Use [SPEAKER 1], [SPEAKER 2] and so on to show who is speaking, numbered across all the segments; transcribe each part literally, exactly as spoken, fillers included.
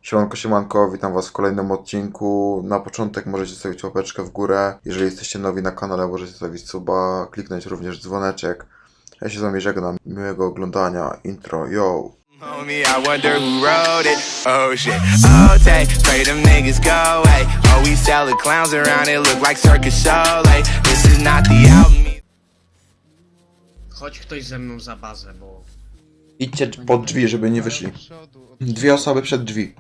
[SPEAKER 1] Siemanko, siemanko, witam was w kolejnym odcinku. Na początek możecie stawić łapeczkę w górę. Jeżeli jesteście nowi na kanale, możecie stawić suba, kliknąć również dzwoneczek. Ja się z wami żegnam. Miłego oglądania. Intro, yo!
[SPEAKER 2] Homie, I wonder who wrote it. Oh shit. Oh, take, pray them niggas go away. Oh, we sell the clowns around it, look like circus show. Like, this is not the album.
[SPEAKER 3] Chodź ktoś ze mną za bazę, bo...
[SPEAKER 1] Idźcie pod drzwi, żeby nie wyszli. Dwie osoby przed drzwi.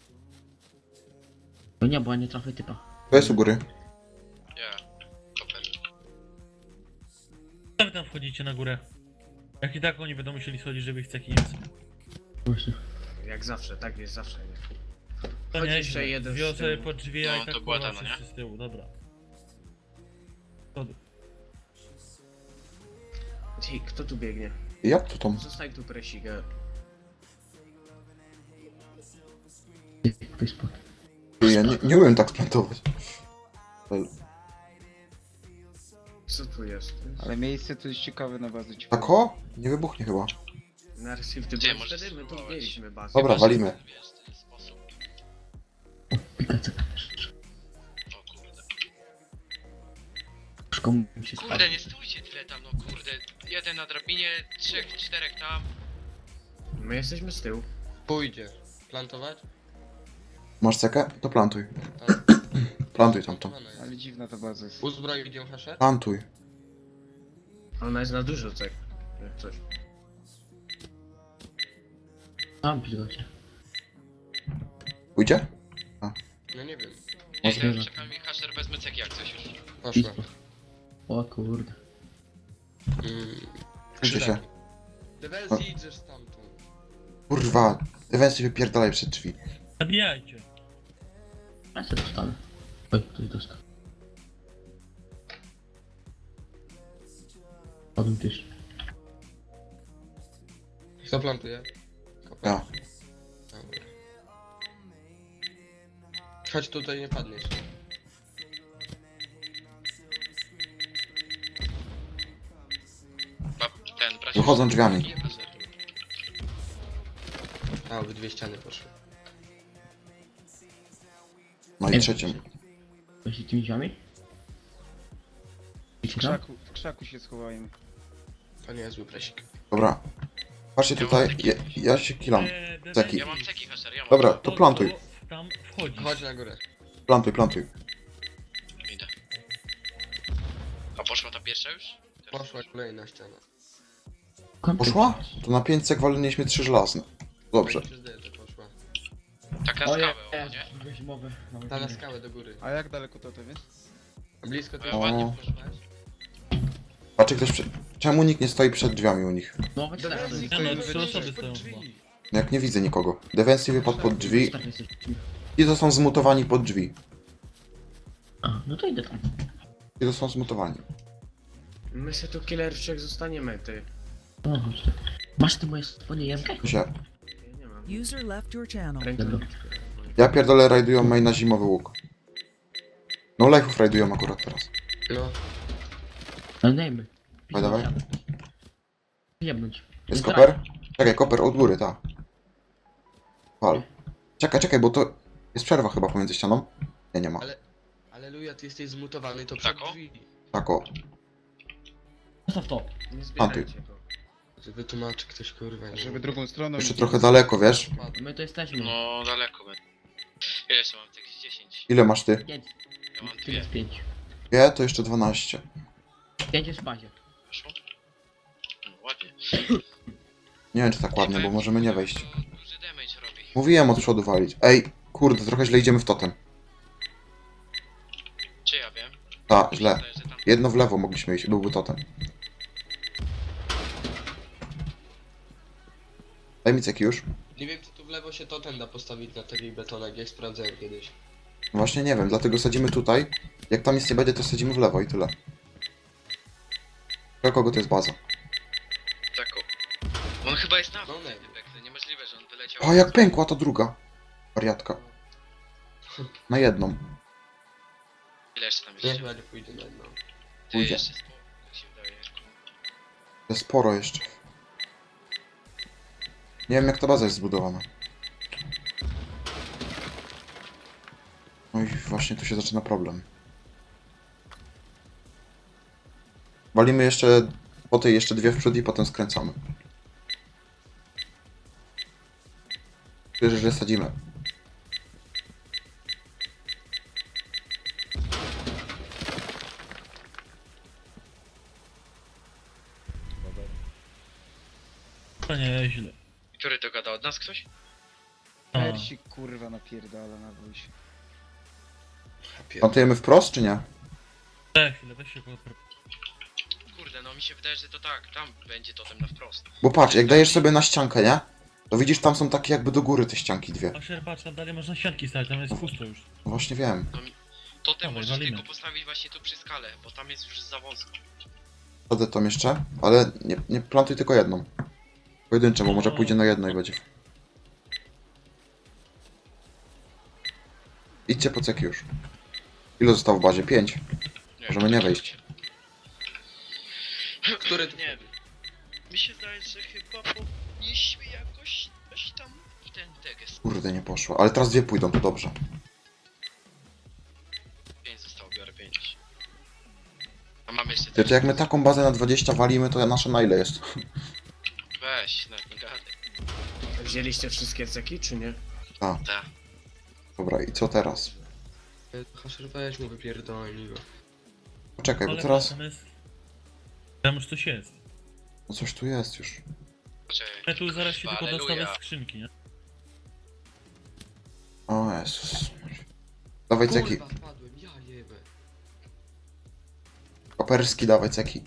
[SPEAKER 4] No nie, bo ja nie trafię typa.
[SPEAKER 1] To jest u góry.
[SPEAKER 5] Jak tam wchodzicie na górę? Jak i tak oni będą musieli schodzić, żeby ich ceki nie
[SPEAKER 4] Właśnie.
[SPEAKER 3] Jak zawsze, tak jest zawsze, nie?
[SPEAKER 5] To
[SPEAKER 3] Chodź
[SPEAKER 5] nie
[SPEAKER 3] jeszcze jeden
[SPEAKER 5] Dwie
[SPEAKER 3] z
[SPEAKER 5] osoby
[SPEAKER 3] tyłu.
[SPEAKER 5] pod drzwi, a
[SPEAKER 6] No,
[SPEAKER 5] i tak
[SPEAKER 6] to była
[SPEAKER 5] kurwa
[SPEAKER 6] ta, no
[SPEAKER 5] wszyscy z tyłu, dobra. To...
[SPEAKER 3] Ej, kto tu biegnie?
[SPEAKER 1] Jak to tam?
[SPEAKER 3] Zostań tu presigę.
[SPEAKER 4] Ktoś spod.
[SPEAKER 1] Ja nie, nie umiem tak splantować.
[SPEAKER 3] Co tu jest?
[SPEAKER 7] Ale miejsce tu jest ciekawe na bazę.
[SPEAKER 1] Tak o? Nie wybuchnie chyba.
[SPEAKER 3] Narcyw, ty
[SPEAKER 6] Gdzie
[SPEAKER 3] bo
[SPEAKER 6] możesz
[SPEAKER 3] wtedy my tu
[SPEAKER 6] spróbować?
[SPEAKER 3] mieliśmy bazę.
[SPEAKER 1] Dobra, walimy.
[SPEAKER 6] Wiesz, ten sposób.
[SPEAKER 4] Pikace.
[SPEAKER 6] O kurde.
[SPEAKER 4] Szkoda mi się
[SPEAKER 6] Kurde,
[SPEAKER 4] spadł.
[SPEAKER 6] nie stójcie tyle tam, no kurde. Jeden na drabinie, trzech, czterech tam.
[SPEAKER 3] My jesteśmy z tyłu.
[SPEAKER 8] Pójdzie. Plantować?
[SPEAKER 1] Masz cekę? To plantuj.
[SPEAKER 8] Tak.
[SPEAKER 1] Plantuj tam to.
[SPEAKER 8] Plantowana jest.
[SPEAKER 7] Ale dziwna ta baza jest.
[SPEAKER 8] Uzbroj idzie hasher?
[SPEAKER 1] Plantuj.
[SPEAKER 3] Ona jest na dużo cek. Jak coś.
[SPEAKER 4] Tam pilocie.
[SPEAKER 1] Pójdzie?
[SPEAKER 8] No nie wiem.
[SPEAKER 6] Nie,
[SPEAKER 4] Może
[SPEAKER 6] ja
[SPEAKER 4] że-
[SPEAKER 6] czekam i hasher wezmę ceki jak coś już.
[SPEAKER 8] Poszła.
[SPEAKER 4] O kurde.
[SPEAKER 8] Mm.
[SPEAKER 1] Pójdzie się.
[SPEAKER 8] Dewelsji idziesz stamtąd.
[SPEAKER 1] Kurwa. Ewencji wypierdalaj przed drzwi.
[SPEAKER 5] Zabijajcie!
[SPEAKER 4] Ja się dostanę. Oj, ktoś dostał. Padł też.
[SPEAKER 8] Kto plantuje?
[SPEAKER 1] Ja.
[SPEAKER 8] Dobra. Chodź tutaj, nie padniesz.
[SPEAKER 6] Ba, ten, bracie.
[SPEAKER 1] Wychodzą drzwiami.
[SPEAKER 6] Nie, hasher tu.
[SPEAKER 8] A, obydwie dwie ściany poszły.
[SPEAKER 1] No i trzecią.
[SPEAKER 4] Właśnie tymi drzwiami?
[SPEAKER 7] W krzaku, w krzaku się schowają.
[SPEAKER 8] To nie jest zły presik.
[SPEAKER 1] Dobra. Patrzcie tutaj. Ja, ja się kilam.
[SPEAKER 5] Eee, Dede-
[SPEAKER 1] Ceki.
[SPEAKER 6] Ja mam ceki hasher, ja mam.
[SPEAKER 1] Dobra, to plantuj.
[SPEAKER 5] to Tam wchodzi.
[SPEAKER 8] Chodź na górę.
[SPEAKER 1] Plantuj, plantuj.
[SPEAKER 6] Idę. A poszła ta pierwsza już?
[SPEAKER 8] Poszła kolejna ściana.
[SPEAKER 1] Poszła? To na pięć cek waliliśmy trzy żelazne. Dobrze.
[SPEAKER 8] Pani zdaje, że poszła.
[SPEAKER 6] Tak na
[SPEAKER 4] O
[SPEAKER 6] skałę,
[SPEAKER 4] nie,
[SPEAKER 6] o nie?
[SPEAKER 4] weźmowe.
[SPEAKER 8] Ta na skałę do góry.
[SPEAKER 7] A jak daleko to to jest?
[SPEAKER 8] Blisko ty
[SPEAKER 6] O.
[SPEAKER 8] ładnie poszłaś.
[SPEAKER 1] Patrzcie ktoś przed... Czemu nikt nie stoi przed drzwiami u nich?
[SPEAKER 4] No weź teraz.
[SPEAKER 8] Dewelsji,
[SPEAKER 5] Nie no,
[SPEAKER 8] to
[SPEAKER 5] trzy
[SPEAKER 8] jest
[SPEAKER 5] osoby
[SPEAKER 8] pod
[SPEAKER 5] stoją
[SPEAKER 8] drzwi.
[SPEAKER 5] chyba.
[SPEAKER 1] Jak nie widzę nikogo. Defensyw wypadł pod drzwi
[SPEAKER 4] Tak jesteś.
[SPEAKER 1] i to są zmutowani pod drzwi.
[SPEAKER 4] A, no to idę tam.
[SPEAKER 1] I to są zmutowani.
[SPEAKER 3] My się tu killerczek zostaniemy, ty.
[SPEAKER 4] O, chodź tu. Masz ty moje swoje jemkę?
[SPEAKER 1] Się.
[SPEAKER 3] Ja nie mam.
[SPEAKER 9] User left your channel.
[SPEAKER 3] Ręką.
[SPEAKER 1] Ja pierdolę rajdują main na zimowy łuk. No life'ów rajdują akurat teraz.
[SPEAKER 8] No.
[SPEAKER 4] Ale dajmy.
[SPEAKER 1] Dawaj, dawaj.
[SPEAKER 4] Jebnąć.
[SPEAKER 1] Jest koper? Czekaj, koper od góry, tak. Wal. Czekaj, czekaj, bo to jest przerwa chyba pomiędzy ścianą. Nie, nie ma.
[SPEAKER 8] Ale... Aleluja, ty jesteś zmutowany, to przed
[SPEAKER 6] Tak, o?
[SPEAKER 8] drzwi.
[SPEAKER 1] Tak o.
[SPEAKER 4] Zostaw to.
[SPEAKER 3] Nie zbierajcie go.
[SPEAKER 8] Wytłumaczy ktoś kurwa. nie
[SPEAKER 7] Żeby
[SPEAKER 8] wiem.
[SPEAKER 7] drugą stroną...
[SPEAKER 1] Jeszcze
[SPEAKER 7] iść.
[SPEAKER 1] trochę daleko, wiesz?
[SPEAKER 4] My to jesteśmy.
[SPEAKER 6] No, daleko będę. Ile jeszcze mam ceki? dziesięć.
[SPEAKER 1] Ile masz ty?
[SPEAKER 4] Pięć.
[SPEAKER 6] Ja mam
[SPEAKER 4] Tu
[SPEAKER 6] dwie.
[SPEAKER 4] jest pięć.
[SPEAKER 1] Wie, to jeszcze dwanaście.
[SPEAKER 4] Pięć jest w bazie.
[SPEAKER 6] Weszło? No, ładnie.
[SPEAKER 1] Nie wiem czy tak ładnie, bo
[SPEAKER 6] Powiem
[SPEAKER 1] możemy
[SPEAKER 6] ci,
[SPEAKER 1] nie
[SPEAKER 6] to
[SPEAKER 1] wejść.
[SPEAKER 6] Duży damage robi.
[SPEAKER 1] Mówiłem od przodu walić. Ej, kurde, trochę źle idziemy w totem.
[SPEAKER 6] Czy ja wiem?
[SPEAKER 1] Ta, źle.
[SPEAKER 6] Myślę, że tam...
[SPEAKER 1] Jedno w lewo mogliśmy iść, byłby totem. Daj mi ceki już.
[SPEAKER 8] Nie wiem, czy tu w lewo się totem da postawić na takich betonach, jak sprawdzałem kiedyś.
[SPEAKER 1] No właśnie nie wiem, dlatego sadzimy tutaj. Jak tam nic nie będzie, to sadzimy w lewo i tyle. Dla kogo to jest baza?
[SPEAKER 6] Tak o... On chyba jest na
[SPEAKER 8] No
[SPEAKER 6] wód,
[SPEAKER 8] nie.
[SPEAKER 6] typek. To niemożliwe, że on wyleciał.
[SPEAKER 1] O, jak pękła ta druga. Wariatka. Na jedną.
[SPEAKER 6] Ile jeszcze tam
[SPEAKER 8] Nie,
[SPEAKER 6] jest?
[SPEAKER 8] chyba nie pójdę na jedno.
[SPEAKER 6] Ty
[SPEAKER 1] pójdzie.
[SPEAKER 6] jeszcze sporo, jak się wydaje.
[SPEAKER 1] Jest sporo jeszcze. Nie wiem jak ta baza jest zbudowana. No i właśnie tu się zaczyna problem. Walimy jeszcze, po tej jeszcze dwie w przód i potem skręcamy. Wierzę, że sadzimy.
[SPEAKER 5] To nie źle.
[SPEAKER 6] Który to gada od nas ktoś?
[SPEAKER 5] A,
[SPEAKER 7] Persik kurwa napierdala na wójsie.
[SPEAKER 1] Plantujemy wprost, czy nie?
[SPEAKER 5] tak, chwilę, weź się pod...
[SPEAKER 6] Kurde, no mi się wydaje, że to tak, tam będzie totem na wprost.
[SPEAKER 1] Bo patrz, jak dajesz sobie na ściankę, nie? To widzisz, tam są takie jakby do góry te ścianki dwie.
[SPEAKER 5] Asher, patrz, tam dalej można ścianki stać, tam jest pusto już.
[SPEAKER 1] No właśnie wiem.
[SPEAKER 6] Totem
[SPEAKER 5] Dawaj,
[SPEAKER 6] możesz
[SPEAKER 5] walimy.
[SPEAKER 6] tylko postawić właśnie tu przy skale, bo tam jest już za wąsko.
[SPEAKER 1] Wtedy tą jeszcze, ale nie, nie plantuj tylko jedną. Pojedyncze, bo może pójdzie na jedno i będzie. Idźcie po ceki już. Ile zostało w bazie? Pięć. Możemy nie wejść.
[SPEAKER 8] Który tu
[SPEAKER 6] Nie wiem. Mi się zdaje, że chyba powinniśmy jakoś coś tam w ten teges.
[SPEAKER 1] Kurde, nie poszło. Ale teraz dwie pójdą, to dobrze.
[SPEAKER 6] pięć zostało, biorę pięć. A mamy jeszcze
[SPEAKER 1] Ty, to jak my taką bazę na dwadzieścia walimy, to nasza na ile jest?
[SPEAKER 6] Weź, nawet nie gadaj.
[SPEAKER 3] Wzięliście wszystkie ceki, czy nie?
[SPEAKER 1] A,
[SPEAKER 6] Tak.
[SPEAKER 1] dobra, i co teraz?
[SPEAKER 8] Hasher, weź mu wypierdolnij go.
[SPEAKER 1] Poczekaj, bo
[SPEAKER 5] Ale
[SPEAKER 1] teraz...
[SPEAKER 5] tam jest... Tam już coś jest.
[SPEAKER 1] No coś tu jest już.
[SPEAKER 6] Poczekaj.
[SPEAKER 5] Ja tu zaraz się tylko
[SPEAKER 6] Halleluja.
[SPEAKER 5] dostawię skrzynki, nie?
[SPEAKER 1] O Jezus. Dawaj ceki.
[SPEAKER 8] Kurwa, spadłem, ja jebę.
[SPEAKER 1] Koperski, dawaj ceki.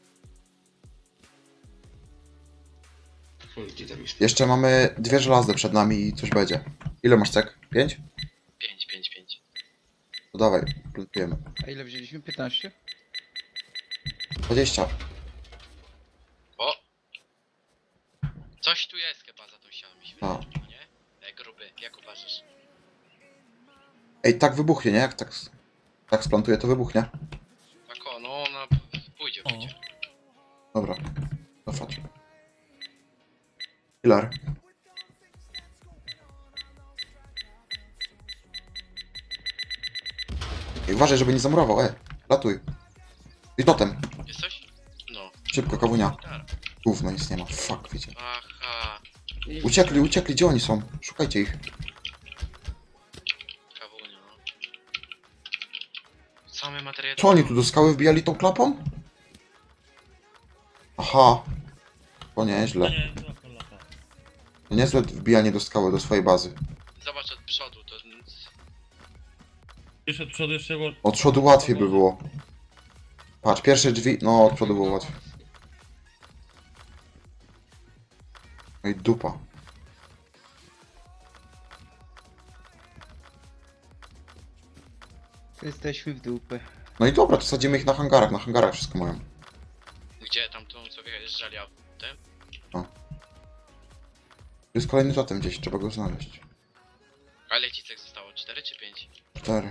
[SPEAKER 8] Chuj, gdzie tam już?
[SPEAKER 1] Jeszcze mamy dwie żelazne przed nami i coś będzie. Ile masz cek? Pięć?
[SPEAKER 6] pięć, pięć, pięć.
[SPEAKER 1] To dawaj, plantujemy.
[SPEAKER 7] A ile wzięliśmy? piętnaście?
[SPEAKER 1] dwadzieścia.
[SPEAKER 6] O! Coś tu jest chyba za tą ścianą, mi się wydaje,
[SPEAKER 1] A.
[SPEAKER 6] nie? Ej, gruby, jak uważasz?
[SPEAKER 1] Ej, tak wybuchnie, nie? Jak tak, tak splantuję, to wybuchnie.
[SPEAKER 6] Tak o, no ona pójdzie,
[SPEAKER 5] O.
[SPEAKER 6] pójdzie.
[SPEAKER 1] Dobra, cofać. Killer. Ej, uważaj, żeby nie zamurował, e. Latuj. I totem.
[SPEAKER 6] Jest coś? No.
[SPEAKER 1] Szybko, kawunia.
[SPEAKER 6] Gitara.
[SPEAKER 1] Gówno, nic nie ma. Fuck, wiecie.
[SPEAKER 6] Aha.
[SPEAKER 1] Uciekli, uciekli, gdzie oni są? Szukajcie ich.
[SPEAKER 6] Kawunio, no. Same materiały.
[SPEAKER 1] Co oni tu do skały wbijali tą klapą? Aha. To
[SPEAKER 5] No
[SPEAKER 1] nieźle.
[SPEAKER 5] nie, to taka lata.
[SPEAKER 1] To niezłe wbijanie do skały, do swojej bazy.
[SPEAKER 6] Zobacz od przodu, to...
[SPEAKER 5] Jeszcze od przodu jeszcze było...
[SPEAKER 1] Od przodu łatwiej by było. Patrz, pierwsze drzwi, no od przodu było łatwiej. No i dupa.
[SPEAKER 7] To jesteśmy w dupę.
[SPEAKER 1] No i dobra, to sadzimy ich na hangarach, na hangarach wszystko mają.
[SPEAKER 6] Gdzie tam tą co wyjeżdżali autem?
[SPEAKER 1] Tu jest kolejny totem gdzieś, trzeba go znaleźć.
[SPEAKER 6] A ile ci cech zostało? cztery czy pięć?
[SPEAKER 1] Cztery.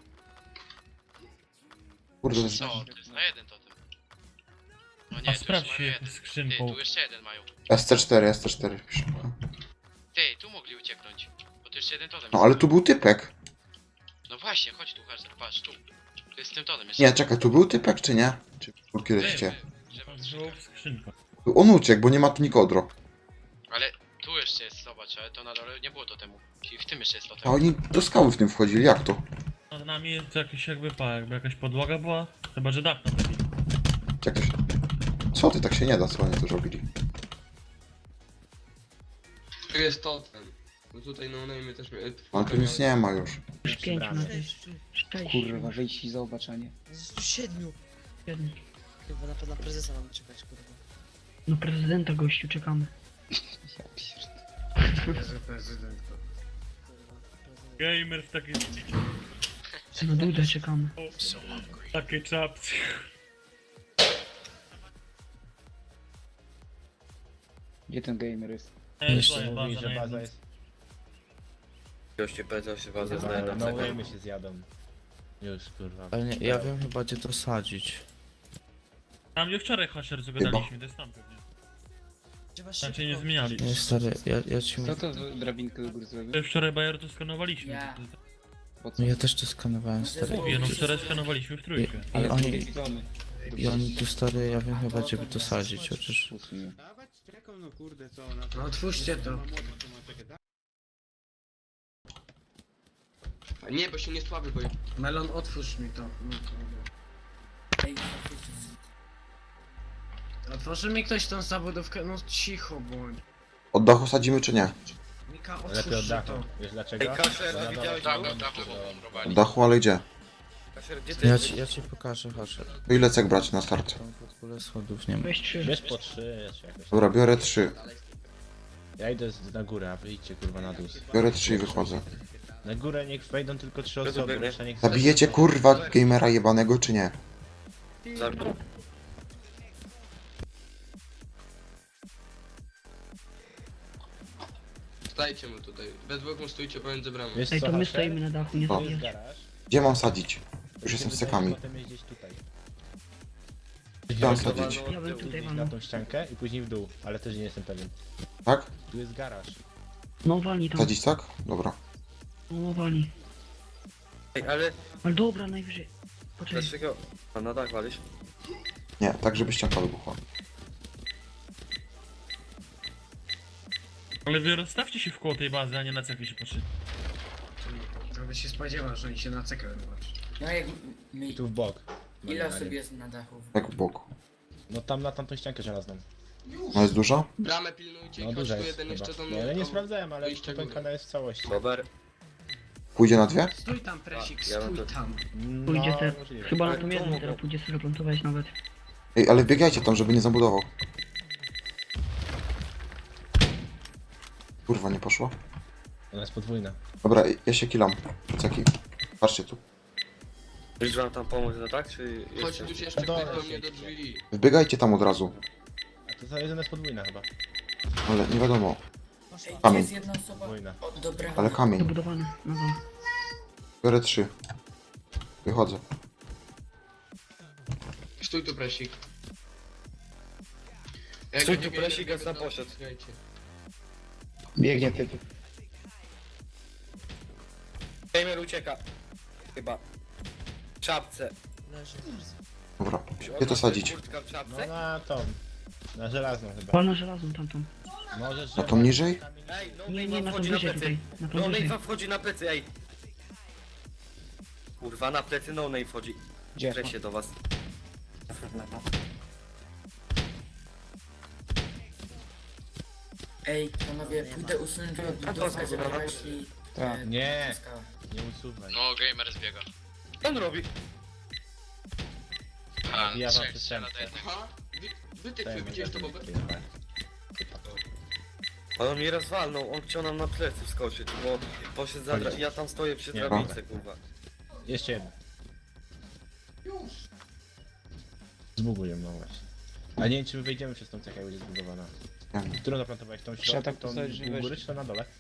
[SPEAKER 1] Kurde, to jest...
[SPEAKER 6] Co? To jest na jeden totem. No
[SPEAKER 5] A
[SPEAKER 6] nie, tu
[SPEAKER 5] sprawdź
[SPEAKER 6] już
[SPEAKER 5] się
[SPEAKER 6] mają
[SPEAKER 5] jakąś
[SPEAKER 6] jeden. Ty,
[SPEAKER 5] skrzynką.
[SPEAKER 6] tu jeszcze jeden mają.
[SPEAKER 1] S C cztery, S C cztery pisze.
[SPEAKER 6] Ty, tu mogli ucieknąć. Bo tu jeszcze jeden totem
[SPEAKER 1] No
[SPEAKER 6] jest.
[SPEAKER 1] ale tu był typek.
[SPEAKER 6] No właśnie, chodź tu, Hazard, patrz, tu. Tu jest z tym totem jeszcze.
[SPEAKER 1] Nie, czekaj, tu był typek czy nie? Czy był kiedyś cię?
[SPEAKER 6] Trzeba
[SPEAKER 5] Było w skrzynkę.
[SPEAKER 1] Tu on uciekł, bo nie ma tu nikodro.
[SPEAKER 6] Ale tu jeszcze jest, zobacz, ale to na dole nie było totemu. I w tym jeszcze jest
[SPEAKER 1] A
[SPEAKER 6] totem.
[SPEAKER 1] oni do skały w tym wchodzili, jak to?
[SPEAKER 5] Nad nami jest jakiś jakby pa, jakby jakaś podłoga była. Chyba, że dach naprawili.
[SPEAKER 1] Jak to się... Co ty, tak się nie da, co oni to robili?
[SPEAKER 8] Tu jest totem. Bo tutaj no name też miałem.
[SPEAKER 1] Ale tu nic nie ma już.
[SPEAKER 9] Już pięć ma. Sześć.
[SPEAKER 7] Kurwa, wejdź i zobacz, a nie.
[SPEAKER 10] Z siedmiu.
[SPEAKER 9] Siedem.
[SPEAKER 10] Chyba na, na prezesa mamy czekać, kurwa.
[SPEAKER 9] No prezydenta gościu czekamy.
[SPEAKER 7] Ja pierdolę.
[SPEAKER 3] Jezu, prezydent. to-
[SPEAKER 10] Kurwa, prezes.
[SPEAKER 5] Gamer w takiej...
[SPEAKER 9] Na Dudę czekamy.
[SPEAKER 5] takiej czapce.
[SPEAKER 7] Gdzie ten gamer jest?
[SPEAKER 5] Nie,
[SPEAKER 3] Jeszcze
[SPEAKER 5] tutaj
[SPEAKER 3] mówi,
[SPEAKER 5] baza
[SPEAKER 3] że
[SPEAKER 5] na
[SPEAKER 3] baza
[SPEAKER 5] jednym.
[SPEAKER 3] jest...
[SPEAKER 11] Goście powiedział, że bazę
[SPEAKER 3] No,
[SPEAKER 11] znaje na
[SPEAKER 3] no
[SPEAKER 11] cegę.
[SPEAKER 3] my się zjadą. Już, kurwa.
[SPEAKER 11] Ale nie, ja wiem chyba gdzie to sadzić.
[SPEAKER 5] Tam gdzie wczoraj Hasher zagadaliśmy, to jest tam pewnie.
[SPEAKER 10] Trzeba
[SPEAKER 5] Tam się
[SPEAKER 10] szybko.
[SPEAKER 5] nie zmieniali.
[SPEAKER 11] Nie stary, ja, ja ci
[SPEAKER 7] Co
[SPEAKER 11] mówię.
[SPEAKER 7] to za drabinkę do góry zrobił?
[SPEAKER 5] To Wczoraj Bayer to skanowaliśmy.
[SPEAKER 9] Ja.
[SPEAKER 5] To- to-
[SPEAKER 7] Po co?
[SPEAKER 11] No ja też to skanowałem, stary.
[SPEAKER 5] Mówię, no wczoraj skanowaliśmy w trójkę.
[SPEAKER 11] I
[SPEAKER 7] Ale z
[SPEAKER 11] oni,
[SPEAKER 7] drugiej strony.
[SPEAKER 11] i oni tu, stary, ja wiem chyba, gdzie by to sadzić, chociaż...
[SPEAKER 7] Usuń.
[SPEAKER 3] No otwórzcie to.
[SPEAKER 8] Nie, bo się nie słaby, bo...
[SPEAKER 3] Melon, otwórz mi to. No, to- Otworzy mi ktoś tą zabudówkę? No cicho bądź.
[SPEAKER 1] Od dachu sadzimy czy nie?
[SPEAKER 3] Mika, otwórz to.
[SPEAKER 11] Wiesz dlaczego?
[SPEAKER 1] Od dachu, ale gdzie?
[SPEAKER 11] Ja ci, ja ci pokażę, Hasher.
[SPEAKER 1] To ile cek brać na start?
[SPEAKER 11] Tam w ogóle schodów nie ma.
[SPEAKER 9] Weź trzy.
[SPEAKER 11] Wiesz po trzy, jeszcze jakoś.
[SPEAKER 1] Dobra, biorę trzy.
[SPEAKER 11] Ja idę z- na górę, a wy idźcie kurwa na dół.
[SPEAKER 1] Biorę trzy i wychodzę.
[SPEAKER 11] Na górę niech wejdą tylko trzy osoby, reszta niech...
[SPEAKER 1] Zabijecie kurwa gamera jebanego czy nie?
[SPEAKER 8] Stajcie mu tutaj. We dwóch stójcie pomiędzy bramą.
[SPEAKER 11] Wiesz
[SPEAKER 9] Ej,
[SPEAKER 11] co,
[SPEAKER 9] to my
[SPEAKER 11] Hasher?
[SPEAKER 9] stoimy na dachu, nie
[SPEAKER 1] O.
[SPEAKER 11] Tu jest
[SPEAKER 9] zabijać.
[SPEAKER 11] garaż.
[SPEAKER 1] Gdzie mam sadzić? Już jestem z cekami.
[SPEAKER 11] Potem jeździć tutaj.
[SPEAKER 1] Gdzie mam sadzić?
[SPEAKER 9] Ja bym tutaj
[SPEAKER 11] na
[SPEAKER 9] walnął.
[SPEAKER 11] tą ściankę i później w dół, ale też nie jestem pewien.
[SPEAKER 1] Tak?
[SPEAKER 11] Tu jest garaż.
[SPEAKER 9] No walnij tam.
[SPEAKER 1] Sadzić tak? Dobra.
[SPEAKER 9] No walnij.
[SPEAKER 11] Ej, ale
[SPEAKER 9] Ale dobra, najwyżej. Poczekaj.
[SPEAKER 11] dlaczego? A na dach walisz?
[SPEAKER 1] Nie, tak żeby ścianka wybuchła.
[SPEAKER 5] Ale wy rozstawcie się w koło tej bazy, a nie na cechy się poszli.
[SPEAKER 3] To by się spodziewał, że oni się na cekę wybaczy.
[SPEAKER 10] No jak mi...
[SPEAKER 11] Tu w bok.
[SPEAKER 10] Ile osób jest na dachu?
[SPEAKER 1] Tak w boku.
[SPEAKER 11] No tam na tamtą ściankę żelazną.
[SPEAKER 1] No jest dużo?
[SPEAKER 8] Bramę pilnujcie
[SPEAKER 11] No
[SPEAKER 8] i chodź
[SPEAKER 11] duża
[SPEAKER 8] tu
[SPEAKER 11] jest
[SPEAKER 8] jeden
[SPEAKER 11] chyba.
[SPEAKER 8] jeszcze do
[SPEAKER 11] No,
[SPEAKER 8] mnie.
[SPEAKER 11] ale nie
[SPEAKER 8] tam-
[SPEAKER 11] sprawdzałem, ale
[SPEAKER 8] wyjście
[SPEAKER 11] popękana
[SPEAKER 8] górę.
[SPEAKER 11] jest w całości. Bober?
[SPEAKER 1] Pójdzie na dwie?
[SPEAKER 3] Stój tam, Presik,
[SPEAKER 11] Ja bym
[SPEAKER 3] stój
[SPEAKER 11] to-
[SPEAKER 3] tam.
[SPEAKER 9] Pójdzie te.
[SPEAKER 11] No, możliwe.
[SPEAKER 9] Chyba na
[SPEAKER 11] Ale
[SPEAKER 9] tą
[SPEAKER 11] to
[SPEAKER 9] jedną
[SPEAKER 11] mogą.
[SPEAKER 9] teraz pójdzie sobie plantować nawet.
[SPEAKER 1] Ej, ale biegajcie tam, żeby nie zabudował. Kurwa, nie poszło?
[SPEAKER 11] Ona jest podwójna.
[SPEAKER 1] Dobra, ja się kilam. Ceki. Patrzcie tu.
[SPEAKER 11] Wiesz, że tam pomóc, no tak? Czy
[SPEAKER 8] Chodź tu się jeszcze
[SPEAKER 11] No dobra,
[SPEAKER 8] ktoś do mnie
[SPEAKER 11] siedźcie.
[SPEAKER 8] do drzwi.
[SPEAKER 1] Wbiegajcie tam od razu.
[SPEAKER 11] A to ta jedna jest podwójna chyba.
[SPEAKER 1] Ale nie wiadomo.
[SPEAKER 10] Ej,
[SPEAKER 1] Kamień.
[SPEAKER 10] jest jedna osoba.
[SPEAKER 11] Podwójna.
[SPEAKER 10] Dobra.
[SPEAKER 1] Ale kamień.
[SPEAKER 9] Dobudowany. No dobra.
[SPEAKER 1] Biorę trzy. Wychodzę.
[SPEAKER 8] Stój tu, Presik. Jak
[SPEAKER 11] Stój
[SPEAKER 8] nie
[SPEAKER 11] tu,
[SPEAKER 8] biegnie,
[SPEAKER 11] Presik,
[SPEAKER 8] biegnie,
[SPEAKER 11] ja sam
[SPEAKER 8] to
[SPEAKER 11] poszedł.
[SPEAKER 8] słuchajcie.
[SPEAKER 7] Biegnie typ.
[SPEAKER 11] Gamer ucieka. Chyba. W czapce.
[SPEAKER 10] Leży.
[SPEAKER 1] Dobra. Gdzie to sadzić?
[SPEAKER 11] No na tą. Na żelazną chyba.
[SPEAKER 9] Walna żelazną tamtą.
[SPEAKER 11] Możesz,
[SPEAKER 1] Na tą niżej?
[SPEAKER 11] Ej, no
[SPEAKER 9] Nie, nie, na tą wyżej tutaj. Na tą wyżej.
[SPEAKER 11] wchodzi na plecy, ej. Kurwa, na plecy no name wchodzi.
[SPEAKER 7] Gdzie?
[SPEAKER 11] Przejdź się do was.
[SPEAKER 10] Ej, panowie, pójdę usunąć budowkę, żeby weszli...
[SPEAKER 7] Tak.
[SPEAKER 11] Nie, nie usuwaj.
[SPEAKER 6] No, gamer zbiega.
[SPEAKER 11] Co on robi?
[SPEAKER 6] A,
[SPEAKER 11] Ja wam przystępcę.
[SPEAKER 8] Aha, wy, wytyk, wy widziałeś to, Bober?
[SPEAKER 11] On mnie rozwalnął, on chciał nam na plecy wskoczyć, bo poszedł za dra- ja tam stoję przy
[SPEAKER 1] Nie.
[SPEAKER 11] drabince, kurwa. Jeszcze jedno. Zbuguję, no właśnie. A nie wiem, czy my wejdziemy przez tą cechę, jak będzie zbudowana.
[SPEAKER 1] Nie wiem.
[SPEAKER 11] Którą zaplantowałeś? Tą
[SPEAKER 7] Trzeba
[SPEAKER 11] środku,
[SPEAKER 7] tak
[SPEAKER 11] tą
[SPEAKER 7] postawić, że
[SPEAKER 11] u góry,
[SPEAKER 7] weź-
[SPEAKER 11] czy to na dole?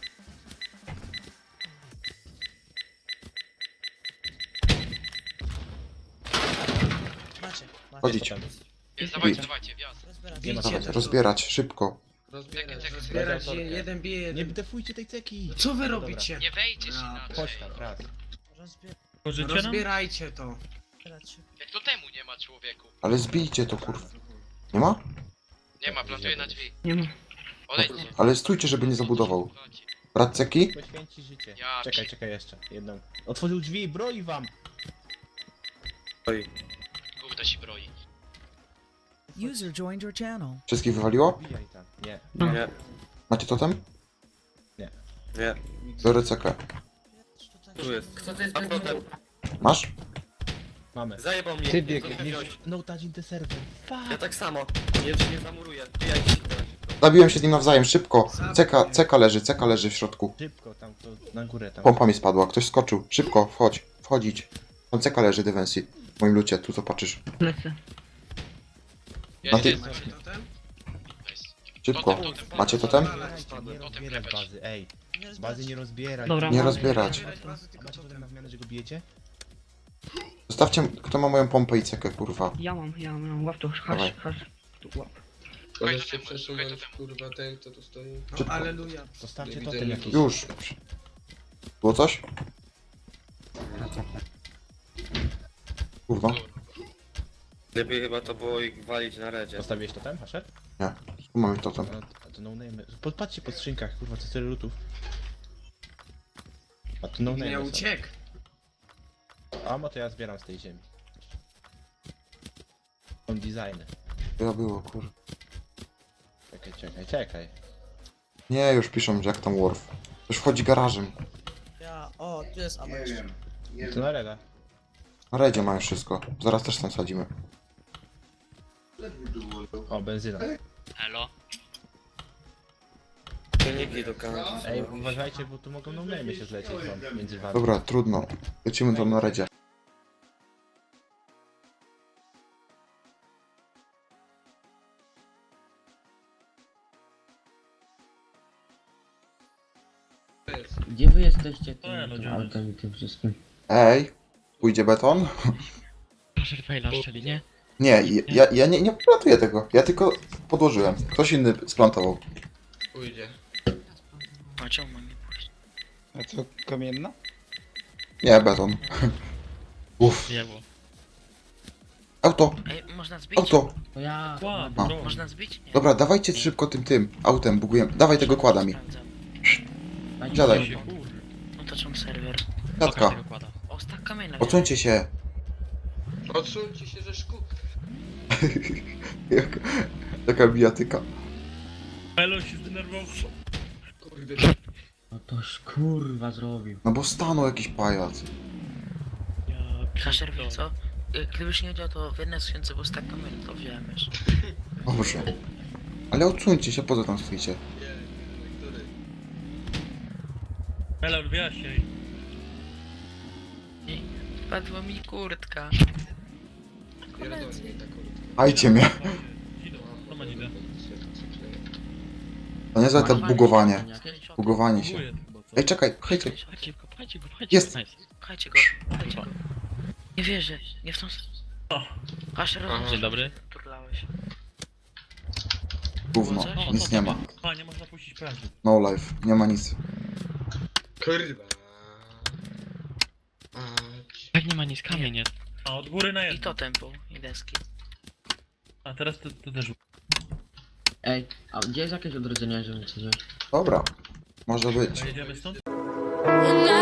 [SPEAKER 10] Macie, macie.
[SPEAKER 1] Chodzić.
[SPEAKER 11] Potem.
[SPEAKER 6] Jest, dawajcie, dawajcie, wjazd.
[SPEAKER 10] Rozbierać.
[SPEAKER 11] Nie ma
[SPEAKER 1] Dawaj,
[SPEAKER 11] co.
[SPEAKER 1] rozbierać, szybko.
[SPEAKER 8] Rozbierać.
[SPEAKER 3] Zbierać je, jeden bije,
[SPEAKER 11] Nie
[SPEAKER 3] jeden...
[SPEAKER 11] defujcie tej ceki!
[SPEAKER 3] Co wy
[SPEAKER 11] Dobra.
[SPEAKER 3] robicie?
[SPEAKER 6] Nie wejdziesz
[SPEAKER 3] A,
[SPEAKER 6] inaczej.
[SPEAKER 11] Chodź tam, raz.
[SPEAKER 10] Rozbierać.
[SPEAKER 5] Pożycie nam?
[SPEAKER 3] Rozbierajcie to.
[SPEAKER 10] się.
[SPEAKER 6] Jak to temu nie ma, człowieku?
[SPEAKER 1] Ale zbijcie to kurwa. Nie ma?
[SPEAKER 6] Nie ma, plantuję na drzwi.
[SPEAKER 9] Nie ma.
[SPEAKER 6] Odejdźcie.
[SPEAKER 1] Ale stójcie, żeby nie zabudował. Brat ceki?
[SPEAKER 11] Poświęci życie.
[SPEAKER 6] Ja
[SPEAKER 11] Czekaj,
[SPEAKER 6] pi-
[SPEAKER 11] czekaj jeszcze. Jedną. Otworzył drzwi, broi wam! Oj.
[SPEAKER 6] Gówno się broi.
[SPEAKER 10] User joined your channel.
[SPEAKER 1] Wszystkich wywaliło?
[SPEAKER 11] Wbijaj tam. Nie.
[SPEAKER 9] No.
[SPEAKER 11] Nie.
[SPEAKER 1] Macie totem?
[SPEAKER 11] Nie. Nie.
[SPEAKER 1] Biorę cekę.
[SPEAKER 11] Tu jest.
[SPEAKER 10] Kto to jest
[SPEAKER 11] A
[SPEAKER 10] bez
[SPEAKER 11] potem.
[SPEAKER 1] Masz?
[SPEAKER 11] Mamy. Zajebał mnie.
[SPEAKER 7] Ty biegniesz.
[SPEAKER 11] No touch in the server. Fuck.
[SPEAKER 12] Ja tak samo. Nie, nie zamuruję. Wbijajcie się teraz.
[SPEAKER 1] Zabiłem się z nim nawzajem, szybko. Ceka, ceka leży, ceka leży w środku.
[SPEAKER 11] Szybko tam, to na górę tam.
[SPEAKER 1] Pompa mi spadła, ktoś skoczył. Szybko, wchodź, wchodzić. Tam ceka leży, Defensi. W moim lucie, tu zobaczysz.
[SPEAKER 9] Lecę.
[SPEAKER 1] Na ty...
[SPEAKER 6] Jest,
[SPEAKER 3] Macie totem?
[SPEAKER 6] nice.
[SPEAKER 1] Szybko. Macie totem?
[SPEAKER 11] Nie rozbierać bazy, ej. Bazy nie rozbierać.
[SPEAKER 9] Dobra,
[SPEAKER 1] Nie
[SPEAKER 9] mam.
[SPEAKER 1] rozbierać.
[SPEAKER 3] Zbierać bazy, tylko
[SPEAKER 11] Macie potem
[SPEAKER 3] totem.
[SPEAKER 11] na zmianę, że go bijecie?
[SPEAKER 1] Zostawcie, kto ma moją pompę i cekę, kurwa.
[SPEAKER 9] Ja mam, ja mam. Łap to,
[SPEAKER 1] Dawaj.
[SPEAKER 9] hasz, hasz. Tu łap.
[SPEAKER 8] Możesz się
[SPEAKER 6] totemu,
[SPEAKER 8] przesunąć,
[SPEAKER 6] szukaj totemu.
[SPEAKER 8] kurwa, ten, kto tu stoi.
[SPEAKER 3] No,
[SPEAKER 1] Szybko.
[SPEAKER 3] aleluja.
[SPEAKER 11] Zostawcie
[SPEAKER 8] Nie
[SPEAKER 11] totem
[SPEAKER 8] widzę
[SPEAKER 11] jakiś.
[SPEAKER 1] Już. Było coś? Kurwa.
[SPEAKER 11] Lepiej chyba to było ich walić na redzie.
[SPEAKER 12] Postawiłeś to tam, Hasher?
[SPEAKER 1] Tu mamy to tam.
[SPEAKER 12] No, a to no name. Podpatrzcie po skrzynkach, kurwa, co tyle lutów. A tu no
[SPEAKER 3] Nie
[SPEAKER 12] name.
[SPEAKER 3] uciekł.
[SPEAKER 12] A mo to ja zbieram z tej ziemi. Są designy.
[SPEAKER 1] To ja było, kurwa.
[SPEAKER 12] Czekaj, czekaj, czekaj.
[SPEAKER 1] Nie, już piszą, że jak tam Worf. Już wchodzi garażem.
[SPEAKER 10] Ja, o, tu jest ammo jeszcze.
[SPEAKER 12] To na reda.
[SPEAKER 1] Na redzie mają wszystko. Zaraz też tam sadzimy.
[SPEAKER 12] O, benzyna.
[SPEAKER 6] Elo.
[SPEAKER 11] Silniki do kanału.
[SPEAKER 12] Ej, uważajcie, bo tu mogą no name się zlecieć wam między wami.
[SPEAKER 1] Dobra, trudno. Lecimy tam na redzie.
[SPEAKER 4] Gdzie wy jesteście
[SPEAKER 5] To ja,
[SPEAKER 4] tym,
[SPEAKER 5] no,
[SPEAKER 4] tym
[SPEAKER 5] działa.
[SPEAKER 4] autem i tym wszystkim?
[SPEAKER 1] Ej, pójdzie beton?
[SPEAKER 6] Proszę faila szczeli, nie?
[SPEAKER 1] Nie, ja, ja nie, nie plantuję tego. Ja tylko podłożyłem. Ktoś inny splantował.
[SPEAKER 8] Pójdzie.
[SPEAKER 6] A czemu mam nie pójść?
[SPEAKER 7] A co, kamienna?
[SPEAKER 1] Nie, beton. Uff.
[SPEAKER 6] Jebo.
[SPEAKER 1] Auto,
[SPEAKER 6] Ej, można zbić?
[SPEAKER 1] auto.
[SPEAKER 4] To ja...
[SPEAKER 5] Ła,
[SPEAKER 1] A.
[SPEAKER 5] bro.
[SPEAKER 6] Można zbić? Nie.
[SPEAKER 1] Dobra, dawajcie szybko tym tym autem, bugujemy. Dawaj tego kłada mi.
[SPEAKER 6] Sprawdzam.
[SPEAKER 4] Dajcie
[SPEAKER 1] Siadaj.
[SPEAKER 4] się.
[SPEAKER 6] No to czemu serwer?
[SPEAKER 1] Siatka,
[SPEAKER 6] O, stak kamienia.
[SPEAKER 1] odsuńcie się.
[SPEAKER 8] Odsuńcie się ze szkół.
[SPEAKER 1] Jak- Taka bijatyka.
[SPEAKER 5] Melo się zdenerwował.
[SPEAKER 8] Kurde.
[SPEAKER 4] No toś kurwa zrobił.
[SPEAKER 1] No bo stanął jakiś pajac.
[SPEAKER 6] Kaszer, wie co? Y, Gdybyś nie wiedział, to w jednej skrzynce był stak kamienia, to wziąłem już.
[SPEAKER 1] Dobrze. Ale odsuńcie się, po co tam stoicie?
[SPEAKER 8] Który?
[SPEAKER 5] Melo, wyjaśnij.
[SPEAKER 6] Padła mi kurtka.
[SPEAKER 8] Pierdolę mi taką.
[SPEAKER 1] Ajcie mnie.
[SPEAKER 5] Idą, to ma idę.
[SPEAKER 1] To nie za to bugowanie.
[SPEAKER 6] Screenshot.
[SPEAKER 1] Bugowanie się.
[SPEAKER 5] Buguję tylko, co?
[SPEAKER 1] Ej, czekaj, pchajcie.
[SPEAKER 6] Pchajcie go, pchajcie go, pchajcie
[SPEAKER 1] Jest.
[SPEAKER 6] go. Pchajcie go, pchajcie go. Nie wierzę, nie w tą... Kaszer,
[SPEAKER 8] Aha.
[SPEAKER 6] dzień dobry. Turlałeś.
[SPEAKER 1] Gówno, nic nie ma.
[SPEAKER 5] A, nie można puścić prędzej.
[SPEAKER 1] No life, nie ma nic.
[SPEAKER 8] Kurwa. A,
[SPEAKER 6] Jak nie ma nic, kamień jest.
[SPEAKER 5] A, od góry na
[SPEAKER 6] I
[SPEAKER 5] jedno.
[SPEAKER 6] to tempo, i deski.
[SPEAKER 5] A teraz to, to też.
[SPEAKER 4] Ej, a gdzie jest jakieś odrodzenie, żeby coś wziąć?
[SPEAKER 1] Dobra, może być.
[SPEAKER 5] Jedziemy stąd?
[SPEAKER 10] When